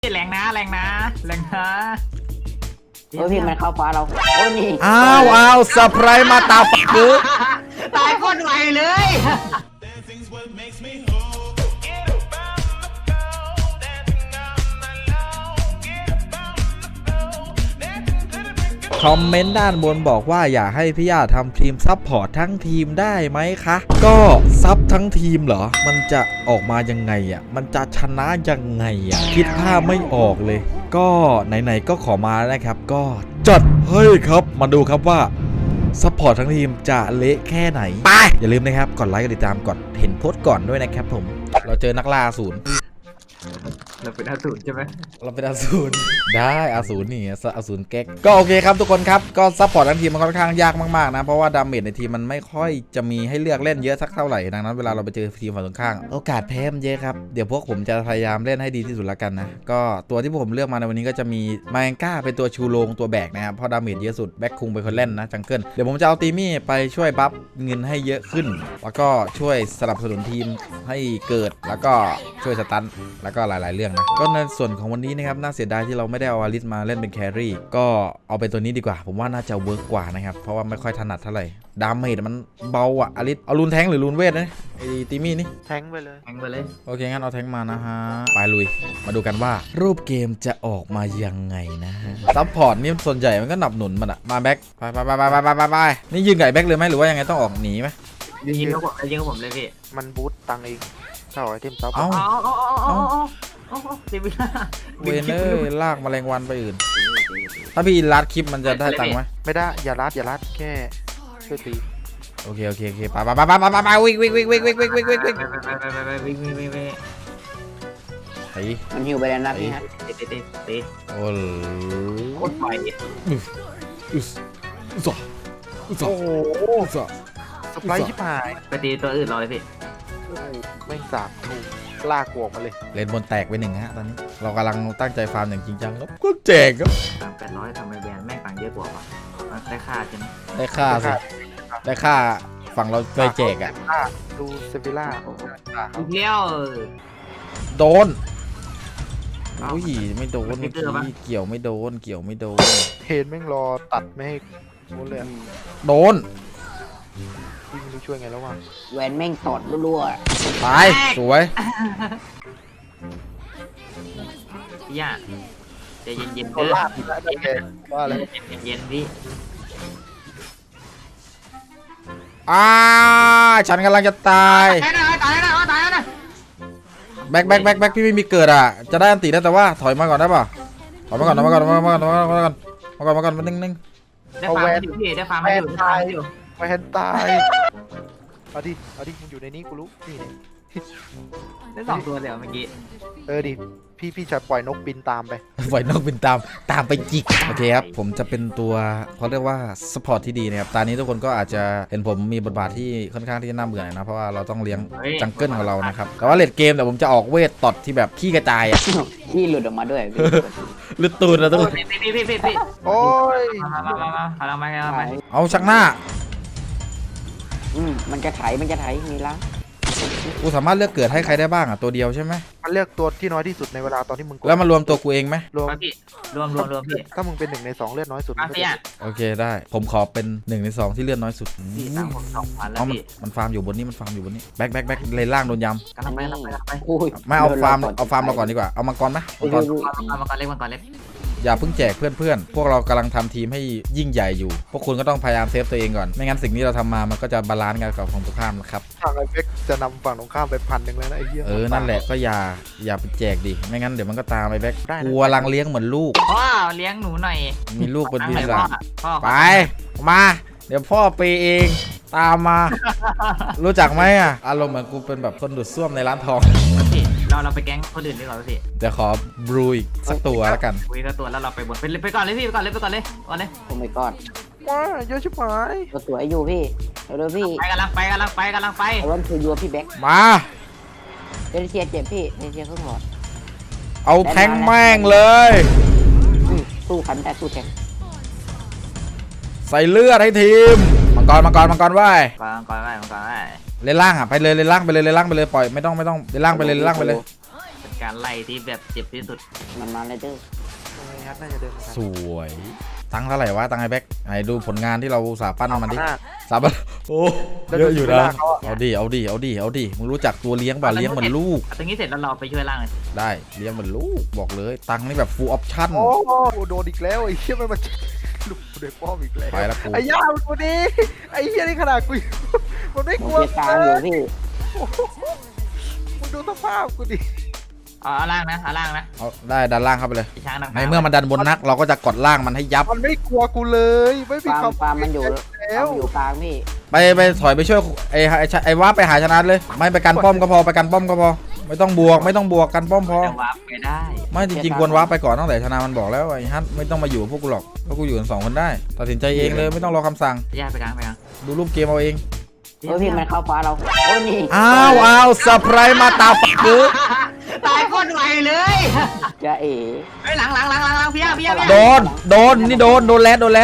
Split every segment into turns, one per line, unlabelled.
แรงนะแรงนะแรงนะ
โอ้ยพี่มันเข้าฟ้าเราโอ้นี่
อ้าวเซอร์ไพรส์มาตาปักคือ
ตายโคตรไวเลย
คอมเมนต์ด้านบนบอกว่าอยากให้พี่ย่าทำทีมซับพอร์ตทั้งทีมได้ไหมคะ ก็ซับทั้งทีมเหรอมันจะออกมายังไงอ่ะมันจะชนะยังไงอ่ะคิดภาพไม่ออกเลย ก็ไหนๆก็ขอมาแล้วนะครับก็จัดให้ครับมาดูครับว่าซัพพอร์ตทั้งทีมจะเละแค่ไหนไปอย่าลืมนะครับกดไลค์กดติดตามกดเห็นโพสต์ก่อนด้วยนะครับผมเราเจอนักล่าอสูร
เราเป็นอสูรใช่ไหม
เราเป็นอสูรได้อสูรนี่อสูรแก๊กก็โอเคครับทุกคนครับก็ซัพพอร์ตทั้งทีมมันค่อนข้างยากมากๆนะเพราะว่าดาเมจในทีมมันไม่ค่อยจะมีให้เลือกเล่นเยอะสักเท่าไหร่ดังนั้นเวลาเราไปเจอทีมฝั่งตรงข้ามโอกาสแพ้มันเยอะครับเดี๋ยวพวกผมจะพยายามเล่นให้ดีที่สุดละกันนะก็ตัวที่ผมเลือกมาในวันนี้ก็จะมีมาแองก้าเป็นตัวชูโรงตัวแบกนะครับเพราะดาเมจเยอะสุดแบ็คคุงเป็นคนเล่นนะจังเกิลเดี๋ยวผมจะเอาตีมี่ไปช่วยบัฟเงินให้เยอะขึ้นแล้วก็ช่วยสนับสนุนทีมให้เกิดแล้วก็ช่วยสตันแล้วก็หลายๆเรื่องนะก็ในส่วนของวันนี้นะครับน่าเสียดายที่เราไม่ได้เอาอาริสมาเล่นเป็นแครี่ก็เอาเป็นตัวนี้ดีกว่าผมว่าน่าจะเวิร์กกว่านะครับเพราะว่าไม่ค่อยถนัดเท่าไหร่ดาเมจมันเบาอะอาริสเอารูนแทงหรือรูนเวทนะไอ้ตีมี่นี่
แทงไปเลย
แทงไปเลย
โอเคงั้นเอาแทงมานะฮะไปลุยมาดูกันว่ารูปเกมจะออกมายังไงนะฮะซัพพอร์ตนี่ส่วนใหญ่มันก็หนับหนุนมันอะมาแบ็คไปนี่ยืนไก่แบ็คเลยไหมหรือว่ายังไงต้องออกหนีไหม
ยิงกับผมยิงกับผมเลยพี่
มันบูตตังเองเท่าไอเทมซับ
เอา
เซวิล่า
เวนเนอร์ลากแมลงวันไปอื่นถ้าพี่ลัดคลิปมันจะได้ตังค์ไหม
ไม่ได้อย่าลัดแค่ช่วยตี
โอเคไปวิ่งไอ้
มันหิวไปแล้วนะพี่ฮะ
ตี
โอ้
โคตรไว
โอ้โหสไปร์ชิบหาย
ไปตีตัวอื่นรอเลยพี่
ไม่สาบถูกลากวกมาเลย
เลนบนแตกไปหนึ่งฮะตอนนี้เรากำลังตั้งใจฟาร์มอย่างจริงจังครับก็แจกครับ
300ทำไมแบรนด์แม่งตังเยอะกว่าได้ค่าใช่ไหม
ได้ค่าสิได้ค่าฝั่งเราเคยแจกอ่ะ
ดูเซฟิล่า
อีกแล้ว
โดนอุ้ยไม่โดนเกี่ยวไม่โดน
เห็นแม่งรอตัดไม่ให้โดนเลย
โดน
พี่ไม่รู้ช่วยไงแล้ววะ
แหวนแม่งตอดรัว
ตายสวย
พี่ย่าใจเย็นๆเด้อ
ว่าอะไร
เย็นพี่
ฉันกำลังจะตาย
นะ
แบ็คพี่ไม่มีเกิดอ่ะจะได้อันตีได้แต่ว่าถอยมาก่อนได้ป่ะถอยมาก่อนนิ่ง
ได้ฟาร์มอยู่พี่ได้ฟาร์มอยู่
แวนตายเอาดิมันอยู่ในนี้กูรู้นี่
ได้2ตัวเดี๋ยวเมื่อกี้
ดิพี่จะปล่อยนกบินตามไป
ปล่อยนกบินตามไปจิกโอเคครับผมจะเป็นตัวเขาเรียกว่าสปอร์ตที่ดีนะครับตอนนี้ทุกคนก็อาจจะเห็นผมมีบทบาทที่ค่อนข้างที่จะน่าเบื่อนะเพราะว่าเราต้องเลี้ยงจังเกิลของเรานะครับแต่ว่าเลดเกมแต่ผมจะออกเวทตอดที่แบบขี้กระจายอ่ะ
ขี้หลุดออกมาด้วย
หลุดตูดแล้วทุกคน
พี่
โอ้ย
มา
เอาชักหน้า
มันจะไถมีล้าง
กูสามารถเลือกเกิดให้ใครได้บ้างอ่ะตัวเดียวใช่ไหม
มันเลือกตัวที่น้อยที่สุดในเวลาตอนที่มึง
แล้วมารวมตัวกูเองไหม
รวมพี่
ถ้ามึงเป็น1 ใน 2เลือดน้อยสุด
โอเคได้ผมขอเป็น1 ใน 2ที่เลือดน้อยสุด
พี่ตังผม2,000แล้วพี่
มันฟาร์มอยู่บนนี้แบ็คเลนล่างโดนยำ
กำลังไป
ไม่เอาฟาร์มเราก่อนดีกว่าเอามังกรไหม
มังกรเล็ก
อย่าเพิ่งแจกเพื่อนพวกเรากำลังทำทีมให้ยิ่งใหญ่อยู่พวกคุณก็ต้องพยายามเซฟตัวเองก่อนไม่งั้นสิ่งที่เราทำมามันก็จะบาลานซ์กันกับฝั่งตรงข้ามนะครับ
ทางไอ้เบ็กจะนำฝั่งตรงข้ามไป1,000แล้วนะไอ้เหี้ย
นั่นแหละก็อย่าไปแจกดิไม่งั้นเดี๋ยวมันก็ตามไปแบ็กกลัวลังเลี้ยงเหมือนลูก
พ่อเลี้ยงหนูหน่อย
มีลูกเป็นพี่สาวไปมาเดี๋ยวพ่อไปเองตามมารู้จักไหมอ่ะอารมณ์เหมือนกูเป็นแบบคนดูดซ่วมในร้านทอง
เราไปแก๊งคนอื่นดีกว่าพี่
เดี๋ยวขอบรูอีกสักตัวแล้วกัน
คุยสักตัวแล้วเราไปบนไปก่อนเลยพี่ไปก่อนเลย
ผมไปก่อน
ว้าเยอะชิบหาย
ตัวอยู่พี่เร็วพี่
กำลังไป
วันคือยัวพี่แบ็ค
มา
เดนเซียเจ็บพี่เดนเซียเพิ่งหมด
เอาแทงแม่งเลย
สู้ขันแต่สู้แทง
ใส่เลือดให้ทีมมังกรไว้
มังกรไว้
เลนล่างอ่ะไปเลยเลนล่างไปเลยปล่อยไม่ต้องเลนล่างไปเลย
การไล่ที่แบบเจ็บที่สุด
มันมาเลยเด้อ
ตรงนี้ฮัทน่าจะเดินมา
สวยตังค์เท่าไหร่วะตังค์ไอ้แบ็คไอ้ดูผลงานที่เราสาปั้นมันดิ
หน้า
สาปั้นโอ้
แล้ว
เยอะอยู่
ดู
นะ
เวลาเขาอะ
เอาดิมึงรู้จักตัวเลี้ยงป่ะเลี้ยงเหมือนลูก
ตรงนี้เสร็จแล้วเราไปช่วยล่างเลย
ได้เลี้ยงเหมือนลูกบอกเลยตังค์นี่แบบ full option
โอ้โหโดนอีกแล้วไอ้เหี้ยมันมาลุกเด็กป้อมอีกแล้ว
ไปแล้วกู
ไอ้ย่ามันตัวนี้ไอ้เหี้ยนี่ขนาดกูอยู่มันไม่
ผ
ก
ม
ลัว
เปียกกลางอยู่พี่
โอ้โหมึงดูสภาพกูดิ
เอาล่างนะเอาล่างนะ
เอาได้ดันล่างเข้าไปเลย
ไอ้ช้างดัง
ในเมื่อมันดันบนนักเราก็จะกดล่างมันให้ยับ
มันไม่กลัวกูเลยไม่มี
ฟาร์ม
คำ
ฟาร์มมันอยู่
แล้ว
มันอยู่กลางพี่
ไปถอยไปช่วยไอ้ว่าไปหาชนะเลย ไม่ไปกันป้อมก็พอไปกันป้อมก็พอ ไม่ต้องบวกกันป้อมพอ
แต่วาร์ปไปได้
ไม่จริงๆควรว้าไปก่อนตั้งแต่ชนะมันบอกแล้วไอ้ฮัทไม่ต้องมาอยู่กับพวกกูหรอกเพราะกูอยู่กัน2 คนได้ตัดสินใจเองเลยไม่ต้องรอคำสั่ง
ย่าไปกลางไปกลาง
ดูรูปเกมเอาเอง
โอ้ยพี่มันเข้าฟ้าเราโอ้ยนี่
อ้าวเซอร์ไพรส์มาตาปักกู
ตายโคตรไวเลย
จะเอ๋
เฮ้ยหลังพี่ย่า
โดนนี่โดนแรด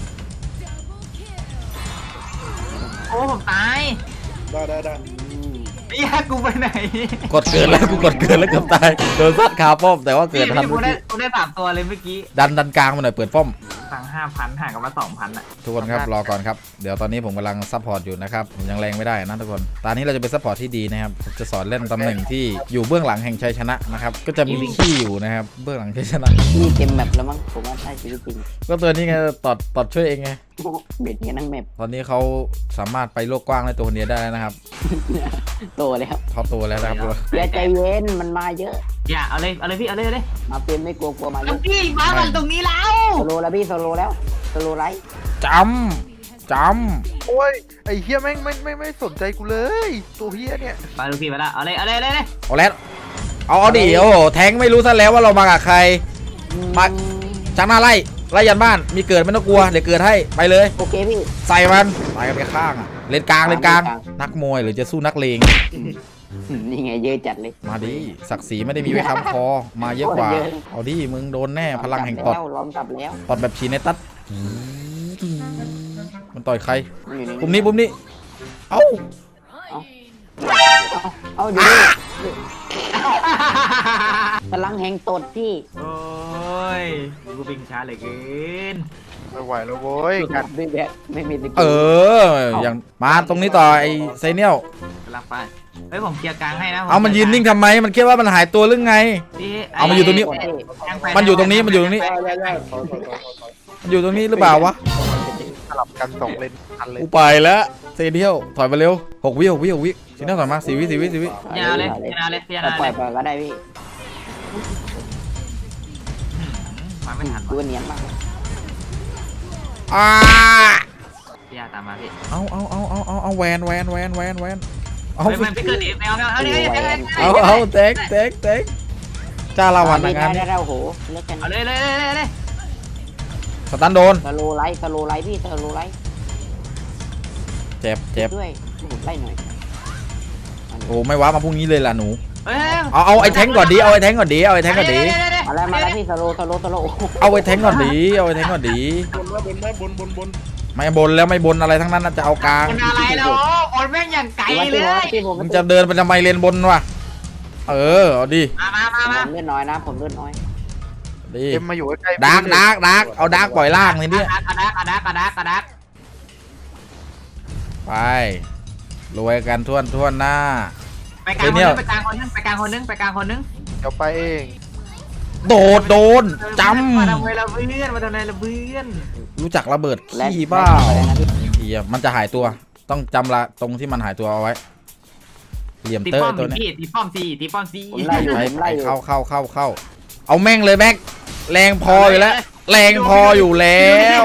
โอ้ผมตาย
ได้
พี่ย่ากูไปไหน
กดเกินแล้วกูกดเกินแล้วเกือบตายโดนซัดคาป้อมแต่ว่าเกิดทัน
กู
เมื่อ
ได้
กี้
กูได้3 ตัวเลยเมื่อกี้
ดันกลางมาหน่อยเปิดป้อม
สั่ง5,000ห่างกันมา2,000อ่ะ
ทุกคนครับรอก่อนครับเดี๋ยวตอนนี้ผมกำลังซัพพอร์ตอยู่นะครับผมยังแรงไม่ได้นะทุกคนตอนนี้เราจะเป็นซัพพอร์ตที่ดีนะครับผมจะสอนเล่นตำแหน่งที่อยู่เบื้องหลังแห่งชัยชนะนะครับก็จะมีขี้อยู่นะครับเบื้องหลังชัยชนะ
พี่เต็มแมปแล้วมั้งผมว่าใช่ชีวิตจริง
ก็ตัวนี้ไงตอดช่วยเองไง
เบ็ดกันทั้งแมป
ตอนนี้เขาสามารถไปโลกกว้างได้ตัวคนเดียวได้แล้วนะครับ
โตแล้ว
เขาโตแล้วนะครับ
อย่าใจเย็นมันมาเยอะ
อย่าเอาเลยพี่เอาเลย
มาเป็นไม่กลัวมาเย
ลู
อะ
กพี่มากันตรงนี้แล้ว
โซโลแล้วพี่โซโลแล้วโซโลไลท์
จำ
โอ้ยไอ้เหี้ยแม่งไม่สนใจกูเลยตัวเหี้ยเนี่ย
ไปลูกพี่ไปละเอาเลย
เอาแล้วเอาดิโอ้โหแทงไม่รู้ซะแล้วว่าเรามากับใคร มา จังหน้าไล่ยันบ้านมีเกิดไม่ต้องกลัวเดี๋ยวเกิดให้ไปเลย
โอเคพี่
ใส่มันไปกันไปข้างอะเลนกลางนักมวยหรือจะสู้นักเลง
นี่ไงเยอะจัดเลย
มาดิศักดิ์ศรีไม่ได้มีไว้ค้ำคอมาเยอะกว่าเอาดิมึงโดนแน่พลังแห่งตอด
ล้อมกลับแล้ว
ตอดแบบชีเนตัสมันต่อยใคร
มันอยู่ใน
ปุ่มนี้เอ้า
เอาดูดิพลังแห่งตดพี่
โอ้ยกูปิงช้าเหลยเกิน
ไม่ไหวแล้วโว้ยกัน
ไม่แบบไม่มีสกิล
อย่างมาตรงนี้ต่อไอ้ไซเนียล
กำลังไปเฮ้ยผมเคลียร์กลางให้นะ
เอามันยืนนิ่งทำไมมันคิดว่ามันหายตัวหรือไง เอามาอยู่ตรงนี้ มันอยู่ตรงนี้มันอยู่ตรงนี้มันอยู่ตรงนี้หรือเปล่าวะ
สลับกัน2 เลนทันเลย
กูไปแล้วเซเนียลถอยมาเร็ว6 วิซีเนียลถอยมา4 วิ
ยาเลยยาเลยยา
ปล่
เล
อย
ย
ไปก็ได้พี่
มาไม่ทัน
ดูเนียนมาก
ยาตามมาพี่
เอาแวนเอา
เฮ้ยมันพี่เกิดอีกเอานี่
เอาเต็กจ้าลาวันนะงาน
ได้
นี้
แล้วโหเลิกกัน
เอาเลย
สตันโดน
สโลไลท์พี่สโลไลท์
เจ็บ
ด้วยไล่หน่อย
โอ้ไม่ว้ามาพรุ่งนี้เลยล่ะหนู
เฮ้ย
เอาไอ้แทงก่อนดีเอาไอ้แทงก่อนดี
มาแล้วพี่สโล
เอาไอ้แทงก่อนดีไม่บนแล้วไม่บนอะไรทั้งนั้นน่ะจะเอากลาง
คนอะไรแล้วคนแม่งอย่างไกลเลย
มึงจะเดินไปทำไมเลนบนวะเอาดิ
มา
ผมเลือดน้อยนะผมเลือดน้อย
ดิ
เอ็มมาอยู่ใกล้ๆ
ดาร์กเอาดาร์กปล่อยล่างนี่เนี่ย
กระดัก
ไปรวยกันทั่วหน้า
ไปกลางคนนึง
เดี๋ยวไปเอง
โดนจ
มาทำไมละเพื่อน
ำรู้จักระเบิดขี้บ้าเฮียมันจะหายตัวต้องจำละตรงที่มันหายตัวเอาไว้เหลี่ยม
ตี
เตอ
ป้อ
ร์
ม
ตัวนี้
พี่ตีป้อมซี
ผมไล่อยู่
ไปเข้าเอาแม่งเลยแม็กแรงพออยู่แล้วแรงพออยู่แล้ว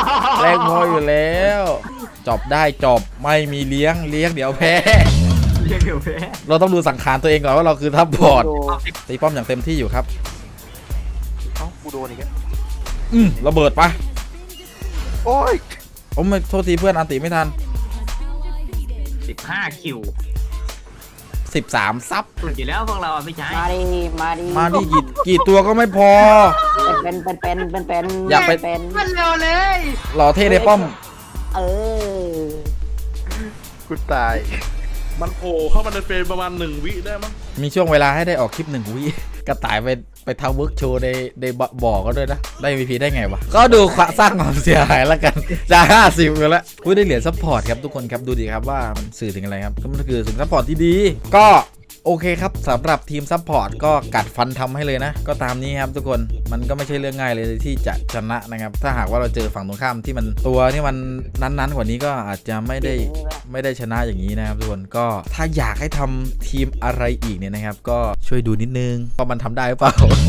จบได้จบไม่มีเลี้ยงเดี๋ยวแพ้
เรียกเดี๋ยวแพ้
เราต้องดูสังขารตัวเองก่อนว่าเราคือทัพบอร์ดตีป้อมอย่างเต็มที่อยู่ครับ
เอ้ากูโดนอีกแล้ว
ระเบิดปะ
โอ้ย
ผมไม่โทษทีเพื่อนอันติไม่ทัน
15 คิว
13ซับ
อยู่แล้วพวกเราไม่ใช่
มาดิ
กี่ตัวก็ไม่พอ
เป็น
อยากไป
เป็น
มันเร็วเลย
หล่อเท่ในป้อม
เออ
กูตาย
มันโผล่เข้ามาในเฟรมประมาณ1 วิได้มั้ง
มีช่วงเวลาให้ได้ออกคลิป1 วิกระต่ายไปทำเวิร์กโชว์ในบ่อก็ด้วยนะได้ MVP ได้ไงวะก็ดูสร้างความเสียหายแล้วกันจะ50กันแล้วได้เหรียญซัพพอร์ตครับทุกคนครับดูดีครับว่ามันสื่อถึงอะไรครับก็มันคือถึงซัพพอร์ตที่ดีก็โอเคครับสำหรับทีมซัพพอร์ตก็กัดฟันทำให้เลยนะก็ตามนี้ครับทุกคนมันก็ไม่ใช่เรื่องง่ายเลยที่จะชนะนะครับถ้าหากว่าเราเจอฝั่งตรงข้ามที่มันตัวที่มันนั้นๆกว่านี้ก็อาจจะไม่ได้ชนะอย่างนี้นะครับทุกคนก็ถ้าอยากให้ทำทีมอะไรอีกเนี่ยนะครับก็ช่วยดูนิดนึงว่ามันทำได้หรือเปล่า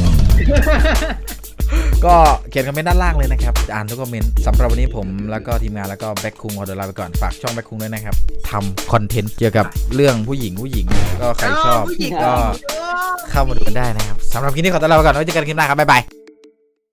ก็เขียนคอมเมนต์ด้านล่างเลยนะครับจะอ่านทุกคอมเมนต์สำหรับวันนี้ผมแล้วก็ทีมงานแล้วก็แบ็คคุงขอตัวลาไปก่อนฝากช่องแบ็คคุงด้วยนะครับทำคอนเทนต์เกี่ยวกับเรื่องผู้หญิงก็ใครชอบก็เข้ามาดูกันได้นะครับสำหรับคลิปนี้ขอตัวลาไปก่อนไว้เจอกันคลิปหน้าครับบ๊ายบาย